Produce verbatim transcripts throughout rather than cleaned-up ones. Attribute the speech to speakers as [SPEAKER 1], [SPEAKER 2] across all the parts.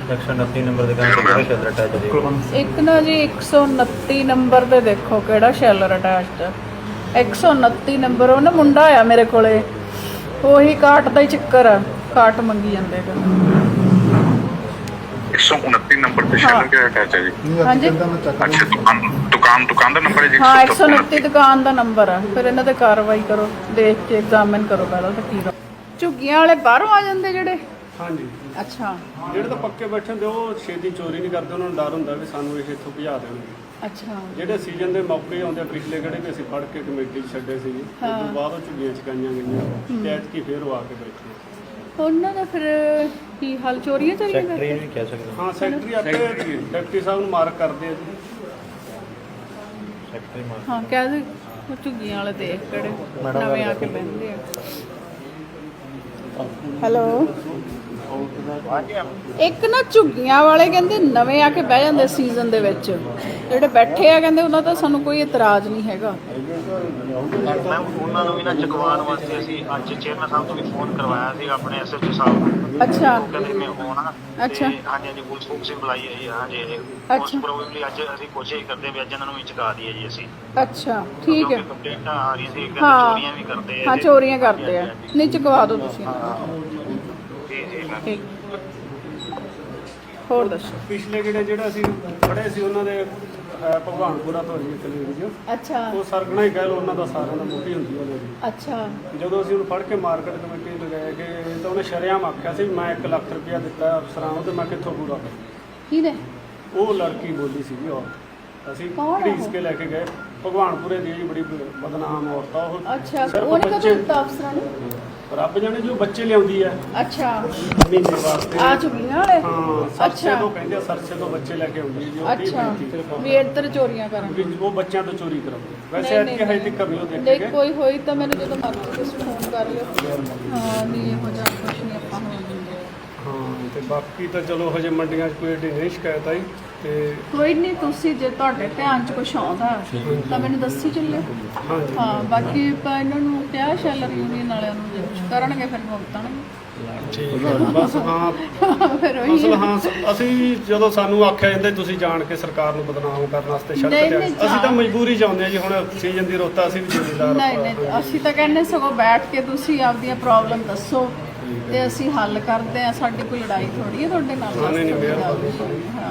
[SPEAKER 1] एक सौ उनती नंबर दुकान शैलर अटैच है
[SPEAKER 2] एक ना जी एक सौ उनती नंबर ते देखो केड़ा शैलर अटैच है। एक सौ उनती नंबर वो ना मुंडा आया मेरे कोले, ਉਹੀ ਕਾਟ ਦਾ ਹੀ ਚੱਕਰ ਆ, ਕਾਟ ਮੰਗੀ ਜਾਂਦੇ ਗਾ।
[SPEAKER 3] एक सौ उनती नंबर पे शैलर के अटैच है जी।
[SPEAKER 2] हाँ जी
[SPEAKER 3] अच्छा दुकान दुकान दुकान का नंबर है जी।
[SPEAKER 2] हाँ एक सौ उनती दुकान ਦਾ ਨੰਬਰ ਆ। ਫਿਰ ਇਹਨਾਂ ਤੇ ਕਾਰਵਾਈ ਕਰੋ, ਦੇਖ ਕੇ ਐਗਜ਼ਾਮਿਨ ਕਰੋ ਪਹਿਲਾਂ ਤਾਂ ਕੀ ਝੁੱਗੀਆਂ ਵਾਲੇ ਬਾਹਰੋਂ ਆ ਜਾਂਦੇ ਜਿਹੜੇ।
[SPEAKER 4] ਹਾਂਜੀ
[SPEAKER 2] ਅੱਛਾ
[SPEAKER 4] ਜਿਹੜੇ ਤਾਂ ਪੱਕੇ ਬੈਠੇ ਹੁੰਦੇ ਉਹ ਛੇਤੀ ਚੋਰੀ ਨਹੀਂ ਕਰਦੇ, ਉਹਨਾਂ ਨੂੰ ਡਰ ਹੁੰਦਾ ਵੀ ਸਾਨੂੰ ਇਹ ਇੱਥੋਂ ਭਜਾ ਦੇਣਗੇ।
[SPEAKER 2] ਅੱਛਾ
[SPEAKER 4] ਜਿਹੜੇ ਸੀਜ਼ਨ ਦੇ ਮੌਕੇ ਆਉਂਦੇ ਆ, ਪਿਛਲੇ ਕਿਹੜੇ ਵੀ ਅਸੀਂ ਫੜ ਕੇ ਕਮੇਟੀ 'ਚ ਛੱਡੇ ਸੀ, ਉਸ ਤੋਂ ਬਾਅਦ ਉਹ ਝੁੱਗੀਆਂ ਚਕਾਈਆਂ ਗਈਆਂ ਤੇ ਐਤਕੀ ਫੇਰ ਉਹ ਆ ਕੇ ਬੈਠੇ।
[SPEAKER 2] ਉਹਨਾਂ ਦਾ ਫਿਰ ਕੀ ਹਾਲ, ਚੋਰੀਆਂ ਚੋਰੀਆਂ
[SPEAKER 1] सैकटरी
[SPEAKER 2] ਕਰਦੇ?
[SPEAKER 1] नहीं कह सकते
[SPEAKER 4] ਹਾਂ ਸੈਕਟਰੀ ਆਪੇ ਡਿਪਟੀ ਸਾਹਿਬ ਨੂੰ ਮਾਰਕ ਕਰਦੇ ਆ ਜੀ।
[SPEAKER 1] सैकटरी मार
[SPEAKER 2] ਹਾਂ ਕਹਿ ਦੇ ਉਹ ਝੁੱਗੀਆਂ ਵਾਲੇ ਦੇਖ ਕਿਹੜੇ ਨਵੇਂ ਆ ਕੇ ਬਹਿੰਦੇ ਆ। ਹੈਲੋ ਇੱਕ ਨਾ ਝੁੱਗੀਆਂ ਵਾਲੇ ਕਹਿੰਦੇ ਨਵੇਂ ਆ ਕੇ ਬਹਿ ਜਾਂਦੇ ਸੀਜ਼ਨ ਦੇ ਵਿੱਚ, ਜਿਹੜੇ ਬੈਠੇ ਆ ਕਹਿੰਦੇ ਉਹਨਾਂ ਦਾ ਸਾਨੂੰ ਕੋਈ ਇਤਰਾਜ਼ ਨਹੀਂ ਹੈਗਾ।
[SPEAKER 5] ਮੈਮ ਉਹਨਾਂ ਨੂੰ ਵੀ ਨਾ ਚੁਕਵਾਉਣ ਵਾਸਤੇ ਅਸੀਂ ਅੱਜ ਚੇਅਰਮੈਨ ਸਾਹਿਬ ਤੋਂ ਵੀ ਫੋਨ ਕਰਵਾਇਆ ਸੀ, ਆਪਣੇ ਐਸਐਚਓ ਸਾਹਿਬ ਨੂੰ।
[SPEAKER 2] ਅੱਛਾ
[SPEAKER 5] ਉਹ ਕਹਿੰਦੇ ਮੈਂ ਹੋਣਾ।
[SPEAKER 2] ਅੱਛਾ
[SPEAKER 5] ਹਾਂਜੀ ਹਾਂਜੀ ਪੁਲਿਸ ਫੋਕਸ ਹੀ ਬੁਲਾਈ ਹੈ ਜੀ। ਹਾਂਜੀ
[SPEAKER 2] ਅੱਛਾ।
[SPEAKER 5] ਉਸ ਪ੍ਰੋਬਬਲੀ ਅੱਜ ਅਸੀਂ ਕੋਸ਼ਿਸ਼ ਕਰਦੇ ਵੀ ਅੱਜ ਇਹਨਾਂ ਨੂੰ ਵੀ ਚੁਕਾ ਦਈਏ ਜੀ ਅਸੀਂ।
[SPEAKER 2] ਅੱਛਾ ਠੀਕ ਹੈ।
[SPEAKER 5] ਕੰਪਲੇਂਟਾਂ ਆ ਰਹੀ ਸੀ, ਕਹਿੰਦੇ
[SPEAKER 2] ਹਾਂ
[SPEAKER 5] ਚੋਰੀਆਂ ਵੀ ਕਰਦੇ ਆ
[SPEAKER 2] ਹਾਂ
[SPEAKER 5] ਜੀ।
[SPEAKER 2] ਚੋਰੀਆਂ ਕਰਦੇ ਆ, ਨਹੀਂ ਚੁਕਵਾ ਦਿਓ ਤੁਸੀਂ।
[SPEAKER 5] ਜੀ ਜੀ ਮੈਮ।
[SPEAKER 2] ਠੀਕ ਹੋਰ ਦੱਸੋ।
[SPEAKER 4] ਪਿਛਲੇ ਕਿਹੜੇ ਜਿਹੜਾ ਅਸੀਂ ਫੜੇ ਸੀ ਉਹਨਾਂ ਦੇ ਅਹ, ਭਗਵਾਨਪੁਰਾ ਤੋਂ ਜੀ ਕਲੀਨ ਜੀ,
[SPEAKER 2] ਅੱਛਾ
[SPEAKER 4] ਉਹ ਸਰਗਣਾ ਹੀ ਕਹਿ ਲਓ, ਉਹਨਾਂ ਦਾ ਸਾਰਿਆਂ ਦਾ ਮੁੱਢੀ ਹੁੰਦੀ ਉਹਨਾਂ ਦੀ।
[SPEAKER 2] ਅੱਛਾ
[SPEAKER 4] ਜਦੋਂ ਅਸੀਂ ਉਹਨੂੰ ਫੜ ਕੇ ਮਾਰਕੀਟ ਕਮੇਟੀ ਨੂੰ ਗਏ ਕਿ ਤਾਂ ਉਹਨੇ ਸ਼ਰੇਆਮ ਆਖਿਆ ਸੀ ਵੀ ਮੈਂ ਇੱਕ ਲੱਖ ਰੁਪਇਆ ਦਿੱਤਾ ਅਫਸਰਾਂ ਨੂੰ ਤੇ ਮੈਂ ਕਿੱਥੋਂ ਪੂਰਾ ਕਰਾਂ।
[SPEAKER 2] ਕਿਹਦੇ?
[SPEAKER 4] ਉਹ ਲੜਕੀ ਬੋਲੀ ਸੀਗੀ ਔਰਤ, ਅਸੀਂ
[SPEAKER 2] ਕੌਣ ਆ
[SPEAKER 4] ਘੜੀਸ
[SPEAKER 2] ਉਹ?
[SPEAKER 4] ਕੇ ਲੈ ਕੇ ਗਏ। ਭਗਵਾਨਪੁਰੇ ਦੀ ਜੀ ਬੜੀ ਬਦਨਾਮ ਔਰਤ ਆ ਉਹ।
[SPEAKER 2] ਅੱਛਾ
[SPEAKER 4] ਸਿਰਫ
[SPEAKER 2] ਉਹਨੇ ਕਦੋਂ
[SPEAKER 4] ਬੱਚੇ-
[SPEAKER 2] ਦਿੱਤਾ ਅਫਸਰਾਂ ਨੂੰ?
[SPEAKER 4] ਰੱਬ ਜਾਣੇ ਜੋ ਬੱਚੇ ਲਿਆਉਂਦੀ ਆ
[SPEAKER 2] ਅੱਛਾ
[SPEAKER 4] ਮਹੀਨੇ ਵਾਸਤੇ।
[SPEAKER 2] ਆ ਝੁੱਗੀਆਂ ਵਾਲੇ?
[SPEAKER 4] ਹਾਂ ਸਰਸੇ
[SPEAKER 2] ਅੱਛਾ
[SPEAKER 4] ਤੋਂ ਕਹਿੰਦੇ ਆ, ਸਰਸੇ ਤੋਂ ਬੱਚੇ ਲੈ ਕੇ ਆਉਂਦੀ ਜੀ। ਉਹ ਤੀਹ
[SPEAKER 2] ਅੱਛਾ
[SPEAKER 4] ਪੈਂਤੀ
[SPEAKER 2] ਵੀ ਇੱਧਰ ਚੋਰੀਆਂ ਕਰਨ।
[SPEAKER 4] ਵੀ ਉਹ ਬੱਚਿਆਂ ਤੋਂ ਚੋਰੀ ਕਰਾਉਂਦੇ। ਵੈਸੇ
[SPEAKER 2] ਨਹੀਂ,
[SPEAKER 4] ਐਤਕੀ
[SPEAKER 2] ਨਹੀਂ,
[SPEAKER 4] ਹਜੇ ਤੱਕ ਨਹੀਂ ਉਹ ਦੇਖੇ
[SPEAKER 2] ਦੇਖ
[SPEAKER 4] ਗਏ।
[SPEAKER 2] ਕੋਈ ਹੋਈ ਤਾਂ ਮੈਨੂੰ ਜਦੋਂ ਮਰਜ਼ੀ ਤੁਸੀਂ ਫੋਨ ਕਰ ਲਿਓ। ਹਾਂ ਨਹੀਂ ਇਹੋ ਜਿਹਾ ਕੁਛ ਨਹੀਂ ਆਪਾਂ ਹੋਣ ਦਿੰਦੇ।
[SPEAKER 4] ਹਾਂ ਤੇ ਬਾਕੀ ਤਾਂ ਚਲੋ ਹਜੇ ਮੰਡੀਆਂ 'ਚ ਕੋਈ ਏਡੀ ਨਹੀਂ ਸ਼ਿਕਾਇਤ ਆਈ ਤੇ
[SPEAKER 2] ਕੋਈ ਨਹੀਂ, ਤੁਸੀਂ ਜੇ ਤੁਹਾਡੇ ਧਿਆਨ 'ਚ ਕੁਛ ਆਉਂਦਾ ਤਾਂ ਮੈਨੂੰ ਦੱਸੀ ਚੱਲਿਓ।
[SPEAKER 4] ਹਾਂਜੀ
[SPEAKER 2] ਹਾਂ ਬਾਕੀ ਆਪਾਂ ਇਹਨਾਂ ਨੂੰ ਕਿਹਾ ਸ਼ੈਲਰ ਯੂਨੀਅਨ ਵਾਲਿਆਂ ਨੂੰ ਜੇ ਕੁਛ ਕਰਨਗੇ ਫਿਰ ਭੁਗਤਣਗੇ।
[SPEAKER 4] ਬਸ ਹਾਂ
[SPEAKER 2] ਫਿਰ ਉਹੀ
[SPEAKER 4] ਅਸਲ ਹਾਂ ਸ- ਅਸੀਂ ਜਦੋਂ ਸਾਨੂੰ ਆਖਿਆ ਜਾਂਦਾ ਤੁਸੀਂ ਜਾਣ ਕੇ ਸਰਕਾਰ ਨੂੰ ਬਦਨਾਮ ਕਰਨ ਵਾਸਤੇ ਸੜਕ
[SPEAKER 2] ਨਹੀਂ,
[SPEAKER 4] ਤੇ
[SPEAKER 2] ਨਹੀਂ,
[SPEAKER 4] ਆਏ। ਅਸੀਂ ਤਾਂ
[SPEAKER 2] ਜਾਣ-
[SPEAKER 4] ਮਜਬੂਰੀ 'ਚ ਆਉਂਦੇ ਹਾਂ ਜੀ, ਹੁਣ ਸੀਜ਼ਨ ਦੀ ਰੁੱਤ ਆ, ਅਸੀਂ ਵੀ ਜ਼ਿੰਮੇਦਾਰ
[SPEAKER 2] ਨਹੀਂ ਨਹੀਂ ਅਸੀਂ ਤਾਂ ਕਹਿੰਦੇ ਸਗੋਂ ਬੈਠ ਕੇ ਤੁਸੀਂ ਆਪਦੀਆਂ ਪ੍ਰੋਬਲਮ ਦੱਸੋ ਤੇ ਅਸੀਂ ਹੱਲ ਕਰਦੇ ਆ। ਸਾਡੀ ਕੋਈ ਲੜਾਈ ਥੋੜੀ ਹੈ ਤੁਹਾਡੇ ਨਾਲ।
[SPEAKER 4] ਹਾਂ, ਨਹੀਂ, ਨਹੀਂ, ਮਿਹਰਬਾਨੀ।
[SPEAKER 2] ਹਾਂ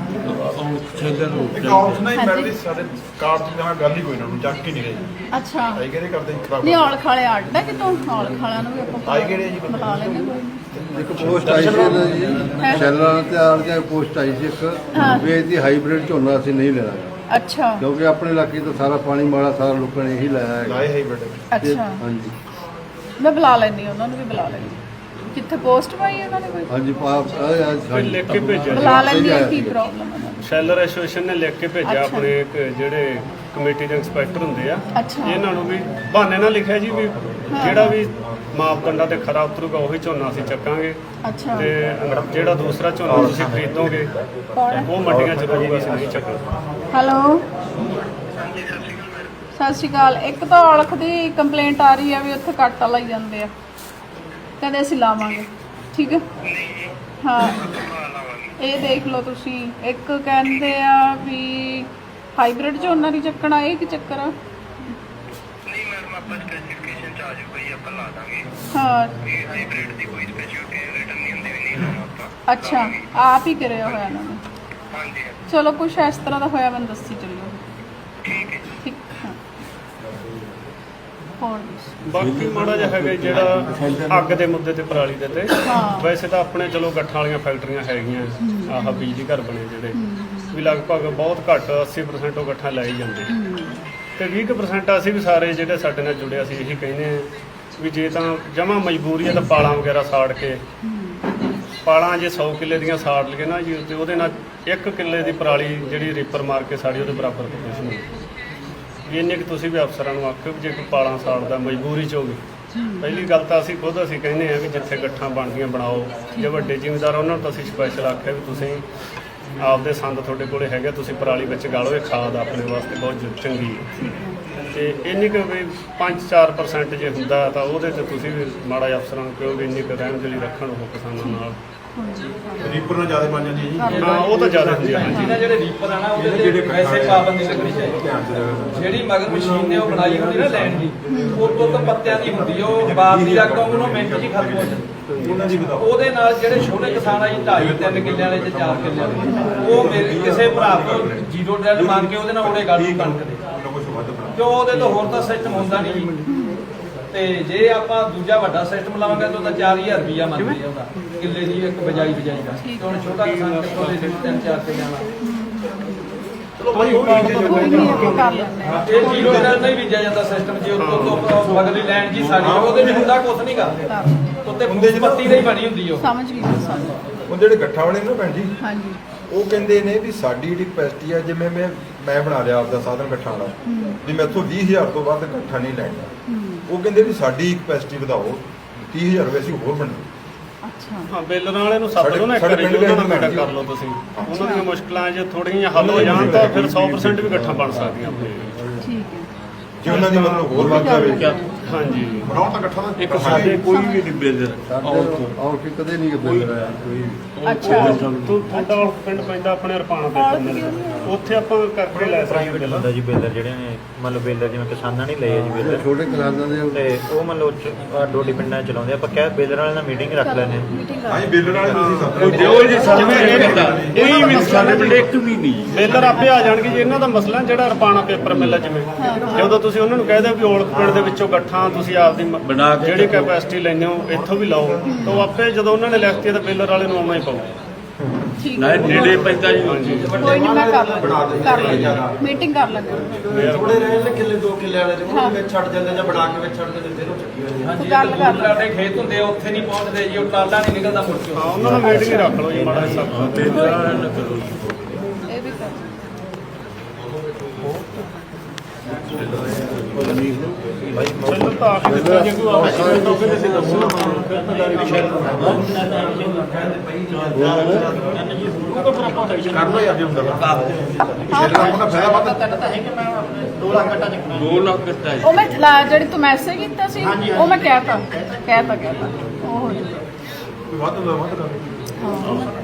[SPEAKER 6] ਇੱਕ ਆਫ ਨਹੀਂ ਮਿਲਦੀ ਸਾਡੇ ਕਾਰਡ ਦੀ ਨਾਲ ਗੱਲ ਹੀ ਕੋਈ ਨਾ, ਚੱਕ ਕੇ ਨਹੀਂ ਗਏ।
[SPEAKER 2] ਅੱਛਾ
[SPEAKER 6] ਆਈ ਕਿਹੜੇ ਕਰਦੇ ਖਰਾਬ
[SPEAKER 2] ਨਹੀਂ ਔਲ ਖਾਲੇ ਅੱਡ ਹੈ ਕਿਤੋਂ? ਔਲ ਖਾਲਿਆਂ ਨੂੰ ਵੀ ਆਪਾਂ
[SPEAKER 6] ਆਈ ਕਿਹੜੇ ਜੀ?
[SPEAKER 2] ਬੁਲਾ ਲੈਂਦੇ ਕੋਈ ਨੀ।
[SPEAKER 7] ਇੱਕ ਪੋਸਟ ਆਈ ਸੀ ਨਾ ਜੀ ਸ਼ੈਲਰਾਂ ਤੇ ਆਲ ਦੀ ਪੋਸਟ ਆਈ ਸੀ
[SPEAKER 2] ਹਾਂ।
[SPEAKER 7] ਇੱਕ ਵੀ ਇਹਦੀ ਹਾਈਬ੍ਰਿਡ ਝੋਨਾ ਅਸੀਂ ਨਹੀਂ ਲੈਣਾ,
[SPEAKER 2] ਅੱਛਾ
[SPEAKER 7] ਕਿਉਂਕਿ ਆਪਣੇ ਇਲਾਕੇ ਤੋਂ ਸਾਰਾ ਪਾਣੀ ਮਾੜਾ ਸਾਰਾ ਲੋਕਾਂ ਨੇ ਇਹੀ ਲਾਇਆ ਹੈ।
[SPEAKER 6] ਲਾਏ ਹੈ ਬੇਟੇ।
[SPEAKER 2] ਅੱਛਾ
[SPEAKER 7] ਹਾਂਜੀ
[SPEAKER 2] ਮੈਂ ਬੁਲਾ ਲੈਂਦੀ ਉਹਨਾਂ ਨੂੰ ਵੀ ਬੁਲਾ ਲੈਂਦੀ। ਕਿੱਥੇ ਪੋਸਟ ਪਾਈ ਹੈ ਉਹਨਾਂ ਨੇ ਕੋਈ?
[SPEAKER 7] ਹਾਂਜੀ ਪਾਪ
[SPEAKER 4] ਕੋਈ ਲਿਖ ਕੇ ਭੇਜਿਆ ਜੀ।
[SPEAKER 2] ਬੁਲਾ ਲੈਂਦੀ ਹਾਂ, ਕੀ ਪ੍ਰੋਬਲਮ ਹੈ ਉਹਨਾਂ ਨੂੰ?
[SPEAKER 4] ਸ਼ੈਲਰ ਐਸੋਸੀਏਸ਼ਨ ਨੇ ਲਿਖ ਕੇ ਭੇਜਿਆ
[SPEAKER 2] ਅੱਛਾ।
[SPEAKER 4] ਆਪਣੇ ਇੱਕ ਜਿਹੜੇ ਕਮੇਟੀ ਦੇ ਇੰਸਪੈਕਟਰ ਹੁੰਦੇ ਆ,
[SPEAKER 2] ਅੱਛਾ।
[SPEAKER 4] ਇਹਨਾਂ ਨੂੰ ਵੀ ਬਹਾਨੇ ਨਾਲ ਲਿਖਿਆ ਜੀ ਵੀ ਜਿਹੜਾ ਵੀ ਮਾਪਦੰਡਾਂ ਤੇ ਖਰਾ ਉਤਰੂਗਾ ਉਹੀ ਝੋਨਾ ਅਸੀਂ ਚੱਕਾਂਗੇ
[SPEAKER 2] ਅੱਛਾ
[SPEAKER 4] ਤੇ ਜਿਹੜਾ ਦੂਸਰਾ ਝੋਨਾ ਤੁਸੀਂ ਖਰੀਦੋਗੇ
[SPEAKER 2] ਕੌਣ ਹੈ?
[SPEAKER 4] ਉਹ ਮੰਡੀਆਂ 'ਚ ਰਹੂਗਾ, ਅਸੀਂ ਨਹੀਂ ਚੱਕਾਂਗੇ।
[SPEAKER 2] ਹੈਲੋ ਸਤਿ ਸ਼੍ਰੀ ਅਕਾਲ। ਇੱਕ ਤਾਂ ਔਲਖ ਦੀ ਕੰਪਲੇਂਟ ਆ ਰਹੀ ਹੈ ਵੀ ਉੱਥੇ ਕੱਟ ਲਾਈ ਜਾਂਦੇ ਆ, ਕਹਿੰਦੇ ਅਸੀਂ ਲਾਵਾਂਗੇ। ਠੀਕ ਹੈ ਹਾਂ ਇਹ ਦੇਖ ਲਓ ਤੁਸੀਂ। ਇੱਕ ਕਹਿੰਦੇ ਆ ਵੀ ਹਾਈਬ੍ਰਿਡ ਝੋਨਾ ਦੀ ਚੱਕਣਾ, ਇਹ ਕੀ ਚੱਕਰ ਆ?
[SPEAKER 5] ਨਹੀਂ ਮੈਡਮ ਆਪਾਂ ਸਪੈਸੀਫਿਕੇਸ਼ਨ ਚ ਆ ਜਾਊਗਾ ਜੀ, ਆਪਾਂ ਲਾ ਦਾਂਗੇ।
[SPEAKER 2] ਹਾਂ
[SPEAKER 5] ਇਹ ਹਾਈਬ੍ਰਿਡ ਦੀ ਕੋਈ ਸਪੈਸ਼ਲਿਟੀ ਰਿਟਰਨ ਨਹੀਂ ਹੁੰਦੀ, ਵੀ ਨਹੀਂ ਲਾਉਣਾ ਆਪਾਂ।
[SPEAKER 2] ਅੱਛਾ ਆਪ ਹੀ ਕਰਿਆ ਹੋਇਆ ਇਹਨਾਂ ਨੇ।
[SPEAKER 5] ਹਾਂਜੀ
[SPEAKER 2] ਚਲੋ ਕੁਛ ਇਸ ਤਰ੍ਹਾਂ ਦਾ ਹੋਇਆ ਮੈਨੂੰ ਦੱਸੀ ਚੱਲਿਓ।
[SPEAKER 5] ਠੀਕ ਹੈ।
[SPEAKER 2] ਠੀਕ ਹਾਂ ਹੋਰ ਦੱਸੋ।
[SPEAKER 4] ਬਾਕੀ ਮਾੜਾ ਜਿਹਾ ਹੈਗਾ ਜਿਹੜਾ ਅੱਗ ਦੇ ਮੁੱਦੇ ਤੇ ਪਰਾਲੀ ਦੇ ਤੇ
[SPEAKER 2] ਹਾਂ।
[SPEAKER 4] ਵੈਸੇ ਤਾਂ ਆਪਣੇ ਚਲੋ ਗੱਠਾਂ ਵਾਲੀਆਂ ਫੈਕਟਰੀਆਂ ਹੈਗੀਆਂ, ਆਹ ਬਿਜਲੀ ਘਰ ਬਣੇ ਜਿਹੜੇ ਵੀ ਲਗਭਗ ਬਹੁਤ ਘੱਟ ਅੱਸੀ ਪਰਸੈਂਟ ਉਹ ਗੱਠਾਂ ਲੈ ਹੀ ਜਾਂਦੇ ਤੇ ਵੀਹ ਕੁ ਪਰਸੈਂਟ ਅਸੀਂ ਵੀ ਸਾਰੇ ਜਿਹੜੇ ਸਾਡੇ ਨਾਲ ਜੁੜੇ ਅਸੀਂ ਇਹੀ ਕਹਿੰਦੇ ਹਾਂ ਵੀ ਜੇ ਤਾਂ ਜਮਾਂ ਮਜਬੂਰੀ ਹੈ ਤਾਂ ਪਾਲਾਂ ਵਗੈਰਾ ਸਾੜ ਕੇ, ਪਾਲਾਂ ਜੇ ਸੌ ਕਿੱਲੇ ਦੀਆਂ ਸਾੜ ਲਈਏ ਨਾ ਜੀ ਤੇ ਉਹਦੇ ਨਾਲ ਇੱਕ ਕਿੱਲੇ ਦੀ ਪਰਾਲੀ ਜਿਹੜੀ ਰੀਪਰ ਮਾਰ ਕੇ ਸਾੜੀ ਉਹਦੇ ਬਰਾਬਰ ਤੋਂ ਕੁਛ ਨਹੀਂ। ਵੀ ਇੰਨੇ ਕਿ ਤੁਸੀਂ ਵੀ ਅਫਸਰਾਂ ਨੂੰ ਆਖਿਓ ਵੀ ਜੇ ਕੋਈ ਪਾਲਾਂ ਸਾੜਦਾ ਮਜਬੂਰੀ 'ਚ ਹੋਵੇ, ਪਹਿਲੀ ਗੱਲ ਤਾਂ ਅਸੀਂ ਖੁਦ ਅਸੀਂ ਕਹਿੰਦੇ ਹਾਂ ਵੀ ਜਿੱਥੇ ਗੱਠਾਂ ਬਣਦੀਆਂ ਬਣਾਓ। ਜੇ ਵੱਡੇ ਜ਼ਿਮੀਂਦਾਰ ਉਹਨਾਂ ਨੂੰ ਤਾਂ ਅਸੀਂ ਸਪੈਸ਼ਲ ਆਖਿਆ ਵੀ ਤੁਸੀਂ ਆਪਦੇ ਸੰਦ ਤੁਹਾਡੇ ਕੋਲੇ ਹੈਗੇ, ਤੁਸੀਂ ਪਰਾਲੀ ਵਿੱਚ ਗਾਲੋ, ਇਹ ਖਾਦ ਆਪਣੇ ਵਾਸਤੇ ਬਹੁਤ ਚੰਗੀ ਹੈ। ਤੇ ਇੰਨੀ ਕੁ ਵੀ ਪੰਜ ਚਾਰ ਪਰਸੈਂਟ ਜੇ ਹੁੰਦਾ ਤਾਂ ਉਹਦੇ 'ਚ ਤੁਸੀਂ ਵੀ ਮਾੜਾ ਜਿਹਾ ਅਫਸਰਾਂ ਨੂੰ ਕਹੋ ਵੀ ਇੰਨੀ ਕੁ ਰਹਿਮਦਿਲੀ ਰੱਖਣ ਉਹ ਕਿਸਾਨਾਂ ਨਾਲ
[SPEAKER 6] ਰੀਪਰ ਨਾਲ ਜ਼ਿਆਦਾ ਬਣ ਜਾਂਦੀ ਹੈ ਜੀ
[SPEAKER 4] ਹਾਂ ਉਹ ਤਾਂ ਜ਼ਿਆਦਾ ਹੁੰਦੀ ਆ ਹਾਂਜੀ
[SPEAKER 8] ਜਿਹਨਾਂ ਜਿਹੜੇ ਰੀਪਰ ਆ ਨਾ ਉਹਦੇ ਤੇ ਵੈਸੇ ਪਾਬੰਦੀ ਲੱਗਣੀ ਚਾਹੀਦੀ ਜਿਹੜੀ ਮਗਰ ਮਸ਼ੀਨ ਨੇ ਉਹ ਬਣਾਈ ਹੁੰਦੀ ਨਾ ਲੈਣ ਦੀ ਉਹ ਤੋਂ ਤਾਂ ਪੱਤਿਆਂ ਦੀ ਹੁੰਦੀ ਆ, ਉਹ ਬਾਪ ਦੀ ਰਕਮ ਉਹਨੂੰ ਮਿੰਟ 'ਚ ਹੀ ਖਤਮ ਹੋ ਜਾਂਦੀ।
[SPEAKER 6] ਉਹਨਾਂ ਦੀ ਬਤਾਓ
[SPEAKER 8] ਉਹਦੇ ਨਾਲ ਜਿਹੜੇ ਛੋਟੇ ਕਿਸਾਨ ਆ ਜੀ ਢਾਈ ਤਿੰਨ ਕਿੱਲੇ ਵਾਲੇ ਤੇ ਚਾਰ ਕਿੱਲੇ ਵਾਲੇ ਉਹ ਮੇਰੇ ਕਿਸੇ ਭਰਾ ਤੋਂ ਜ਼ੀਰੋ ਡੈਲ ਮੰਗ ਕੇ ਉਹਦੇ ਨਾਲ ਉਹਦੇ ਗੱਲ ਨੂੰ ਕਣਕ ਦੇ ਜੋ ਉਹਦੇ ਤੋਂ ਹੋਰ ਤਾਂ ਸਿਸਟਮ ਹੁੰਦਾ ਨਹੀਂ ਜੀ। ਤੇ ਜੇ ਆਪਾਂ ਦੂਜਾ ਵੱਡਾ ਸਿਸਟਮ ਲਾਵਾਂਗੇ ਤਾਂ ਉਹਦਾ ਚਾਰ ਹਜ਼ਾਰ ਰੁਪਈਆ ਮੰਗਦੇ ਆ ਉਹਦਾ ਕਿੱਲੇ ਦੀ ਇੱਕ ਬਜਾਈ ਬਜਾਈ ਦਾ ਤੇ ਹੁਣ ਛੋਟਾ ਕਿਸਾਨ ਕਿੱਥੋਂ ਦੇ ਦੇ ਤਿੰਨ ਚਾਰ ਕਿੱਲਿਆਂ ਦਾ
[SPEAKER 2] ਕੋਈ ਨਹੀਂ ਅੱਗੇ ਕਰ ਲੈਂਦੇ ਹਾਂ।
[SPEAKER 8] ਇਹ ਜ਼ੀਰੋ ਡੈਲ ਨਹੀਂ ਬੀਜਿਆ ਜਾਂਦਾ ਸਿਸਟਮ ਜੇ ਉੱਤੋਂ ਤੋਂ ਮਗਰਲੀ ਲੈਣ ਜੀ ਸਾਡੀ ਉਹਦੇ ਵਿੱਚ ਹੁੰਦਾ ਕੁਝ ਨਹੀਂ ਗਾ ਉੱਤੇ ਪੱਤੀ ਨਹੀਂ ਬਣੀ ਹੁੰਦੀ ਉਹ
[SPEAKER 2] ਸਮਝ ਗਈ ਮੈਂ, ਸਮਝ ਗਈ।
[SPEAKER 6] ਉਹ ਜਿਹੜੇ ਗੱਠਾ ਵਾਲੇ ਨੇ ਨਾ ਭੈਣ ਜੀ
[SPEAKER 2] ਹਾਂਜੀ
[SPEAKER 6] ਉਹ ਕਹਿੰਦੇ ਨੇ ਵੀ ਸਾਡੀ ਜਿਹੜੀ ਕਪੈਸਿਟੀ ਆ ਜਿਵੇਂ ਮੈਂ ਮੈਂ ਬਣਾ ਲਿਆ ਆਪਦਾ ਸਾਧਨ ਗੱਠਾਂ ਵਾਲਾ ਵੀ ਮੈਥੋਂ ਵੀਹ ਹਜ਼ਾਰ ਤੋਂ ਵੱਧ ਗੱਠਾ ਨਹੀਂ ਲੈਣਾ। ਉਹ ਕਹਿੰਦੇ ਵੀ ਸਾਡੀ ਕਪੈਸਿਟੀ ਵਧਾਓ ਤੀਹ ਹਜ਼ਾਰ ਰੁਪਏ ਅਸੀਂ ਹੋਰ ਬਣਾਓ।
[SPEAKER 2] ਅੱਛਾ
[SPEAKER 4] ਹਾਂ ਬੇਲਰ ਵਾਲੇ ਨੂੰ ਸੱਦ ਲਓ ਨਾ ਇੱਕ
[SPEAKER 6] ਸਾਡੇ
[SPEAKER 4] ਵਾਰੀ,
[SPEAKER 6] ਪਿੰਡ
[SPEAKER 4] ਉਹਨਾਂ ਨਾਲ
[SPEAKER 6] ਦੇ
[SPEAKER 4] ਮੀਟਿੰਗ ਕਰ ਲਓ ਤੁਸੀਂ। ਉਹਨਾਂ ਦੀਆਂ ਮੁਸ਼ਕਲਾਂ ਜੇ ਥੋੜੀਆਂ ਹੱਲ ਹੋ ਜਾਣ ਤਾਂ ਫਿਰ ਸੌ ਪ੍ਰਸੈਂਟ ਵੀ ਇਕੱਠਾ ਬਣ ਸਕਦੀਆਂ ਆਪਣੇ।
[SPEAKER 2] ਠੀਕ ਹੈ।
[SPEAKER 6] ਜੇ ਉਹਨਾਂ ਦੀ ਮਤਲਬ ਹੋਰ ਵੱਧ ਜਾਵੇ
[SPEAKER 4] ਹਾਂਜੀ
[SPEAKER 6] ਬਣਾਉ ਤਾਂ ਗੱਠਾ ਦਾ
[SPEAKER 1] ਇੱਕ ਸਾਡੇ ਕੋਈ ਵੀ ਨਹੀਂ ਬੇਲਰ
[SPEAKER 7] ਸਾਡੇ ਆਉਟ ਕਿ ਕਦੇ ਨਹੀਂ ਬਦਲ ਰਿਹਾ ਕੋਈ
[SPEAKER 2] ਅੱਛਾ
[SPEAKER 4] ਤੂੰ ਤੁਹਾਡਾ ਉਹ ਪਿੰਡ ਪੈਂਦਾ ਆਪਣੇ ਰਪਾਣਾ ਦੇ ਪਿੰਡ ਉੱਥੇ ਆਪਾਂ ਕਰਕੇ ਲੈ ਸਕਦੇ
[SPEAKER 1] ਪ੍ਰਾਈਵੇਟ
[SPEAKER 4] ਹਾਂ
[SPEAKER 1] ਹੁੰਦਾ ਜੀ ਬੇਲਰ ਜਿਹੜੇ ਨੇ ਮੰਨ ਲਓ ਬੇਲਰ ਜਿਵੇਂ ਕਿਸਾਨਾਂ ਨੇ ਲਏ ਆ ਜੀ ਬੇਲਰ
[SPEAKER 7] ਛੋਟੇ ਕਿਸਾਨਾਂ ਦੇ
[SPEAKER 1] ਤੇ ਉਹ ਮੰਨ ਲਓ ਚ- ਡੋਡੀ ਪਿੰਡਾਂ 'ਚ ਚਲਾਉਂਦੇ ਆਪਾਂ ਕਹਿ ਬੇਲਰ ਵਾਲੇ ਨਾਲ ਮੀਟਿੰਗ ਰੱਖ ਲੈਂਦੇ ਹਾਂ।
[SPEAKER 2] ਮੀਟਿੰਗ ਕਰ
[SPEAKER 6] ਹਾਂਜੀ ਬੇਲਰ ਵਾਲੇ ਤੁਸੀਂ ਸਭ
[SPEAKER 1] ਦਿਓ ਜੀ ਜਿਵੇਂ ਕੋਈ ਵੀ ਸਾਡੇ ਪਿੰਡ ਇੱਕ ਵੀ ਨਹੀਂ
[SPEAKER 4] ਬੇਲਰ ਆਪੇ ਆ ਜਾਣਗੇ ਜੀ। ਇਹਨਾਂ ਦਾ ਮਸਲਾ ਜਿਹੜਾ ਰਪਾਣਾ ਪੇਪਰ ਮਿਲ ਆ ਜਿਵੇਂ ਜਦੋਂ ਤੁਸੀਂ ਉਹਨਾਂ ਨੂੰ ਕਹਿ ਦਿਓ ਵੀ ਔਲਖ ਪਿੰਡ ਦੇ ਵਿੱਚੋਂ ਗੱਠਾਂ ਤੁਸੀਂ ਆਪਦੀ ਮ- ਜਿਹੜੀ ਕੈਪੈਸਿਟੀ ਲੈਂਦੇ ਹੋ ਇੱਥੋਂ ਵੀ ਲਾਓ ਤਾਂ ਉਹ ਆਪੇ ਜਦੋਂ ਉਹਨਾਂ ਨੇ ਲਿਖਤੀ ਤਾਂ ਬੇਲਰ ਵਾਲੇ ਨੂੰ ਆਉਣਾ ਹੀ ਪਊ।
[SPEAKER 2] ਠੀਕ ਹੈ।
[SPEAKER 1] ਨੇੜੇ ਪੈਂਦਾ ਜੀ
[SPEAKER 2] ਕੋਈ ਨਹੀਂ ਮੈਂ ਕਰ ਲਾਂਗੀ ਕਰ ਲਾਂਗੀ ਮੀਟਿੰਗ ਕਰ ਲਾਂਗੀ।
[SPEAKER 5] ਥੋੜੇ ਰਹੇ ਨੇ ਕਿੱਲੇ ਦੋ ਕਿੱਲੇ ਵਾਲੇ ਜਿਹਨਾਂ ਦੇ ਵਿੱਚ ਛੱਡ ਜਾਂਦੇ ਜਾਂ ਬਣਾ ਕੇ ਵਿੱਚ ਛੱਡ ਦਿੰਦੇ ਫਿਰ ਉਹ ਚੱਕੀ ਹੋਈ
[SPEAKER 8] ਹਾਂਜੀ
[SPEAKER 2] ਗੱਲ ਕਰ ਲਓ।
[SPEAKER 8] ਸਾਡੇ ਖੇਤ ਹੁੰਦੇ ਆ ਉੱਥੇ ਨਹੀਂ ਪਹੁੰਚਦੇ ਜੀ ਉਹ ਟਾਲਾ ਨਹੀਂ ਨਿਕਲਦਾ ਮੁੜ ਕੇ
[SPEAKER 4] ਹਾਂ ਉਹਨਾਂ ਨੂੰ ਮੀਟਿੰਗ ਰੱਖ ਲਓ ਜੀ ਮਾੜਾ ਜਿਹਾ ਸਭ
[SPEAKER 2] ਇਹ ਵੀ ਕਰ
[SPEAKER 1] ਭਾਈ
[SPEAKER 4] ਚਲੋ ਤਾਂ ਆ ਕੇ ਦਿੱਤਾ ਜੇ ਕੋਈ ਆവശ്यकता ਤਾਂ ਫਿਰ ਅਸੀਂ ਦੱਸੋ ਫਿਰ ਤਾਂ ਦਾਰੀ ਵਿਸ਼ਾ
[SPEAKER 6] ਕਰ ਲੋ ਯਾਰ ਜੇ ਹੁੰਦਾ
[SPEAKER 2] ਹਾਂ
[SPEAKER 6] ਉਹਦਾ ਫਾਇਦਾ ਵੱਧ
[SPEAKER 1] ਦੋ ਲੱਖ ਦਿੱਤਾ
[SPEAKER 2] ਉਹ ਮੈਂ ਲਾ- ਜਿਹੜੀ ਤੂੰ ਮੈਸੇਜ ਕੀਤਾ ਸੀ ਉਹ ਮੈਂ ਕਹਿਤਾ ਕਹਿਤਾ ਕਹਿਤਾ ਉਹ ਹੋ ਜਾਊਗਾ।
[SPEAKER 6] ਕੋਈ ਵੱਧ ਹੁੰਦਾ ਵੱਧ ਕਰ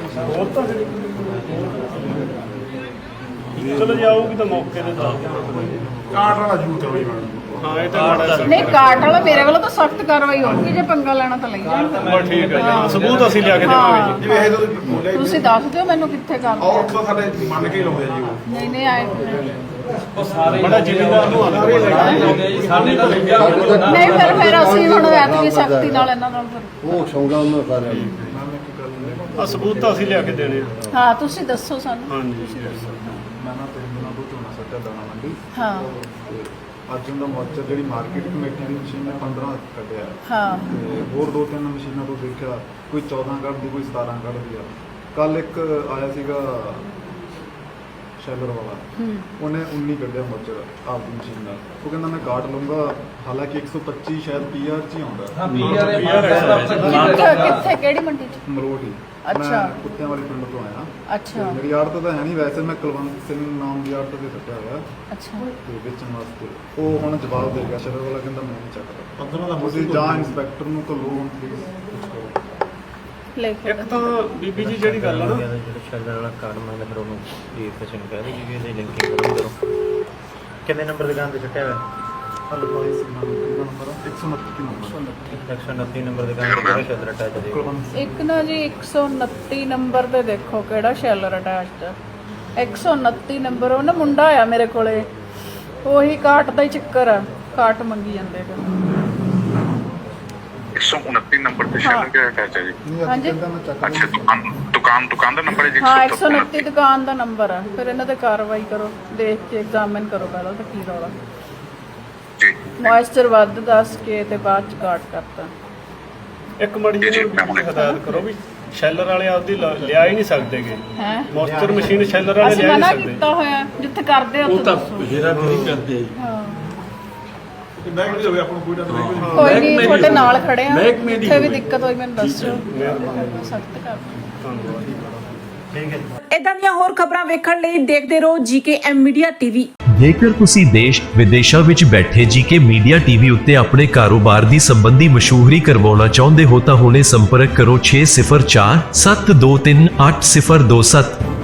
[SPEAKER 4] ਚਲੋ ਜੀ ਆਊਗੀ ਤਾਂ ਮੌਕੇ ਤੇ ਦੱਸ ਦਿਆਂਗੇ।
[SPEAKER 6] ਕਾਟ ਵਾਲਾ ਜ਼ਰੂਰ ਕਰੋ ਜੀ ਮੈਡਮ
[SPEAKER 4] ਹਾਂ ਇਹ ਤਾਂ ਮਾੜਾ ਜਿਹਾ-
[SPEAKER 2] ਨਹੀਂ ਕਾਟ ਵਾਲਾ ਮੇਰੇ ਵੱਲੋਂ ਤਾਂ ਸਖਤ ਕਾਰਵਾਈ ਹੋਊਗੀ ਜੇ ਪੰਗਾ ਲੈਣਾ ਤਾਂ ਲਈ ਜਾਣ
[SPEAKER 4] ਬਸ ਠੀਕ ਹੈ ਜੀ ਸਬੂਤ ਅਸੀਂ ਲਿਆ ਕੇ ਦੇਵਾਂਗੇ ਜੀ।
[SPEAKER 6] ਜਿਵੇਂ ਇਹ ਤਾਂ ਤੁਸੀਂ ਬੋਲਿਆ
[SPEAKER 2] ਤੁਸੀਂ ਦੱਸ ਦਿਓ ਮੈਨੂੰ ਕਿੱਥੇ ਕਰ
[SPEAKER 6] ਔਰ ਤਾਂ ਸਾਡੇ ਮੰਨ ਕੇ ਹੀ ਲਾਉਂਦੇ ਆ ਜੀ ਉਹ
[SPEAKER 2] ਨਹੀਂ ਨਹੀਂ ਆਏ
[SPEAKER 8] ਉਹ ਸਾਰੇ
[SPEAKER 4] ਬੜਾ ਜ਼ਿਮੀਂਦਾਰ ਨੂੰ ਆਉਂਦਾ
[SPEAKER 8] ਜੀ ਸਾਡੇ ਤਾਂ ਲੱਗਿਆ ਹੋਇਆ
[SPEAKER 2] ਨਹੀਂ ਫਿਰ ਫਿਰ ਅਸੀਂ ਹੁਣ ਐਤਕੀ ਸਖਤੀ ਨਾਲ ਇਹਨਾਂ ਨਾਲ ਫਿਰ
[SPEAKER 7] ਉਹ ਸ਼ੌਂਗਾ ਉਹਨਾਂ ਸਾਰਿਆਂ ਨੂੰ
[SPEAKER 4] ਆ ਸਬੂਤ ਤਾਂ ਅਸੀਂ ਲਿਆ ਕੇ ਦੇਣੇ ਆ।
[SPEAKER 2] ਹਾਂ ਤੁਸੀਂ ਦੱਸੋ ਸਾਨੂੰ
[SPEAKER 4] ਹਾਂਜੀ
[SPEAKER 6] ਮੈਂ ਨਾ ਤਿੰਨ ਦਿਨਾਂ ਤੋਂ ਝੋਨਾ ਸੱਟਿਆ ਦਾਣਾ ਮੰਡੀ
[SPEAKER 2] ਹਾਂ
[SPEAKER 6] ਤੇ ਅੱਜ ਉਹਦਾ ਮੋਰਚਾ ਜਿਹੜੀ ਮਾਰਕੀਟ ਕਮੇਟੀ ਦੀ ਮਸ਼ੀਨ ਨੇ ਪੰਦਰਾਂ ਕੱਢਿਆ
[SPEAKER 2] ਹਾਂ
[SPEAKER 6] ਤੇ ਹੋਰ ਦੋ ਤਿੰਨ ਮਸ਼ੀਨਾਂ ਤੋਂ ਦੇਖਿਆ ਕੋਈ ਚੌਦਾਂ ਕੱਢਦੀ ਕੋਈ ਸਤਾਰਾਂ ਕੱਢਦੀ ਆ ਕੱਲ ਇੱਕ ਆਇਆ ਸੀਗਾ ਸ਼ੈਲਰ ਵਾਲਾ
[SPEAKER 2] ਹੂੰ
[SPEAKER 6] ਉਹਨੇ ਉੱਨੀ ਕੱਢਿਆ ਮੋਰਚਾ ਆਪਦੀ ਮਸ਼ੀਨ ਨਾਲ ਉਹ ਕਹਿੰਦਾ ਮੈਂ ਕਾਟ ਲਊਂਗਾ ਹਾਲਾਂਕਿ ਇੱਕ ਸੌ ਪੱਚੀ ਸ਼ਾਇਦ ਪੀਆਰ ਚ ਹੀ ਆਉਂਦਾ
[SPEAKER 8] ਹਾਂ ਪੀਆਰ ਦੇ
[SPEAKER 2] ਕਿੱਥੇ ਕਿੱਥੇ ਕਿਹੜੀ ਮੰਡੀ ਚ
[SPEAKER 6] ਮਰੋਟ ਹੀ
[SPEAKER 2] ਅੱਛਾ।
[SPEAKER 6] ਮੈਂ ਕੁੱਤਿਆਂ ਵਾਲੇ ਪਿੰਡ ਤੋਂ ਆਇਆ
[SPEAKER 2] ਅੱਛਾ
[SPEAKER 6] ਤੇ ਮੇਰੀ ਆੜਤ ਤਾਂ ਹੈ ਨਹੀਂ ਵੈਸੇ ਮੈਂ ਕੁਲਵੰਤ ਸਿੰਘ ਨਾਮ ਦੀ ਆੜਤ ਤੇ ਸੱਟਿਆ ਹੋਇਆ
[SPEAKER 2] ਅੱਛਾ
[SPEAKER 6] ਤੇ ਵੇਚਣ ਵਾਸਤੇ ਉਹ ਹੁਣ ਜਵਾਬ ਦੇ ਗਿਆ ਸ਼ਰਰ ਵਾਲਾ ਕਹਿੰਦਾ ਮੈਂ ਨਹੀਂ ਚੱਕਦਾ ਪੰਦਰਾਂ ਦਾ ਤੁਸੀਂ ਜਾਂ ਇੰਸਪੈਕਟਰ ਨੂੰ ਘੱਲੋ ਹੁਣ ਪਲੀਜ਼ ਕੁਝ ਕਰੋ
[SPEAKER 2] ਲੈ ਕੇ
[SPEAKER 4] ਇੱਕ ਤਾਂ ਬੀਬੀ ਜੀ ਜਿਹੜੀ ਗੱਲ ਆ ਨਾ
[SPEAKER 1] ਜਿਹੜਾ ਸ਼ੈਲਰ ਵਾਲਾ ਕਾਰਡ ਮੰਗਦਾ ਫਿਰ ਉਹਨੂੰ ਇਹ ਕਿਸੇ ਨੂੰ ਕਹਿ ਦੇ ਕਿ ਇਹਦੀ ਲਿੰਕਿੰਗ ਕਰੋ ਕਰੋ ਕਿੰਨੇ ਨੰਬਰ ਦੁਕਾਨ ਤੇ ਛੱਟਿਆ ਹੋਇਆ
[SPEAKER 6] ਹਲਵਾਈ ਸਿੰਘ ਨਾਮ ਦਾ ਨੰਬਰ ਇੱਕ ਸੌ ਉਨੱਤੀ ਨੰਬਰ
[SPEAKER 1] ਇੱਕ ਸੌ ਉਨੱਤੀ ਨੰਬਰ ਦੁਕਾਨ ਤੇ ਕਿਹੜਾ ਸ਼ੈਲਰ ਅਟੈਚ ਦੇ
[SPEAKER 6] ਕੁਲਵੰਤ
[SPEAKER 2] ਇੱਕ ਨਾ ਜੀ ਇੱਕ ਸੌ ਉਨੱਤੀ ਨੰਬਰ ਤੇ ਦੇਖੋ ਕਿਹੜਾ ਸ਼ੈਲਰ ਅਟੈਚਡ ਇੱਕ ਸੌ ਉਨੱਤੀ ਨੰਬਰ ਉਹ ਨਾ ਮੁੰਡਾ ਆਇਆ ਮੇਰੇ ਕੋਲੇ ਉਹੀ ਕਾਟ ਦਾ ਹੀ ਚੱਕਰ ਆ ਕਾਟ ਮੰਗੀ ਜਾਂਦੇ ਗਾ।
[SPEAKER 3] ਇੱਕ ਸੌ ਉਨੱਤੀ ਨੰਬਰ ਤੇ ਸ਼ੈਲਰ ਕਿਹੜਾ ਅਟੈਚ ਹੈ ਜੀ
[SPEAKER 6] ਨਹੀਂ ਅੱਜ
[SPEAKER 2] ਹਾਂਜੀ।
[SPEAKER 6] ਕਹਿੰਦਾ ਮੈਂ ਚੱਕ
[SPEAKER 3] ਅੱਛਾ ਦੁਕਾਨ ਦੁਕਾਨ ਦੁਕਾਨ ਦਾ ਨੰਬਰ ਹੈ ਜੀ
[SPEAKER 2] ਹਾਂ ਇੱਕ ਸੌ ਉਨੱਤੀ ਦੁਕਾਨ ਦਾ ਨੰਬਰ ਆ ਫਿਰ ਇਹਨਾਂ ਤੇ ਕਾਰਵਾਈ ਕਰੋ ਦੇਖ ਕੇ ਐਗਜ਼ਾਮਿਨ ਕਰੋ ਪਹਿਲਾਂ ਤਾਂ ਕੀ ਰੌਲਾ
[SPEAKER 3] ਜੀ
[SPEAKER 2] ਮੋਇਸਚਰ ਵੱਧ ਦੱਸ ਕੇ ਤੇ ਬਾਅਦ ਚ ਕਾਟ ਕਰਤਾ
[SPEAKER 4] ਇੱਕ ਮੜੀ ਜਿਹੀ ਨੂੰ ਹਦਾਇਤ ਕਰੋ ਵੀ ਸ਼ੈਲਰ ਵਾਲੇ ਆਪਦੀ ਲ- ਲਿਆ ਹੀ ਨਹੀਂ ਸਕਦੇਗੇ
[SPEAKER 2] ਹੈ
[SPEAKER 4] ਮੋਸਟਰ ਮਸ਼ੀਨ ਸ਼ੈਲਰ ਵਾਲੇ
[SPEAKER 2] ਅਸੀਂ
[SPEAKER 4] ਲਿਆ ਹੀ
[SPEAKER 2] ਮਨਾ
[SPEAKER 4] ਨਹੀਂ ਸਕਦੇ।
[SPEAKER 2] ਕੀਤਾ ਹੋਇਆ ਜਿੱਥੇ ਕਰਦੇ ਉੱਥੇ ਦੱਸੋ
[SPEAKER 1] ਜਿਹੜਾ ਨਹੀਂ ਕਰਦੇ
[SPEAKER 2] ਹਾਂ
[SPEAKER 6] ਮੈਂ ਕਿਹਾ ਹੋਵੇ ਆਪਾਂ ਨੂੰ ਕੋਈ ਨਾ ਕੋਈ
[SPEAKER 2] ਕੋਈ ਨਹੀਂ ਤੁਹਾਡੇ ਨਾਲ ਖੜੇ ਆ
[SPEAKER 1] ਮਹਿਕਮੇ ਦੀ
[SPEAKER 2] ਜਿੱਥੇ ਵੀ
[SPEAKER 1] ਹੋਵੇ।
[SPEAKER 2] ਦਿੱਕਤ ਹੋਈ ਮੈਨੂੰ ਦੱਸੋ ਸਖਤ ਕਰ
[SPEAKER 4] ਧੰਨਵਾਦ
[SPEAKER 1] ਠੀਕ ਹੈ
[SPEAKER 9] ਇਦਾਂ ਦੀਆਂ ਹੋਰ ਖਬਰਾਂ ਵੇਖਣ ਲਈ ਦੇਖਦੇ ਰਹੋ ਜੀਕੇ ਐਮ ਮੀਡੀਆ ਟੀਵੀ। ਜੇਕਰ ਤੁਸੀਂ ਦੇਸ਼ ਵਿਦੇਸ਼ਾਂ ਵਿੱਚ ਬੈਠੇ ਜੀਕੇ ਮੀਡੀਆ ਟੀਵੀ ਉੱਤੇ ਆਪਣੇ ਕਾਰੋਬਾਰ ਦੀ ਸੰਬੰਧੀ ਮਸ਼ਹੂਰੀ ਕਰਵਾਉਣਾ ਚਾਹੁੰਦੇ ਹੋ ਤਾਂ ਹੁਣੇ ਸੰਪਰਕ ਕਰੋ ਛੇ ਜ਼ੀਰੋ ਚਾਰ ਸੱਤ ਦੋ ਤਿੰਨ ਅੱਠ ਜ਼ੀਰੋ ਦੋ ਸੱਤ।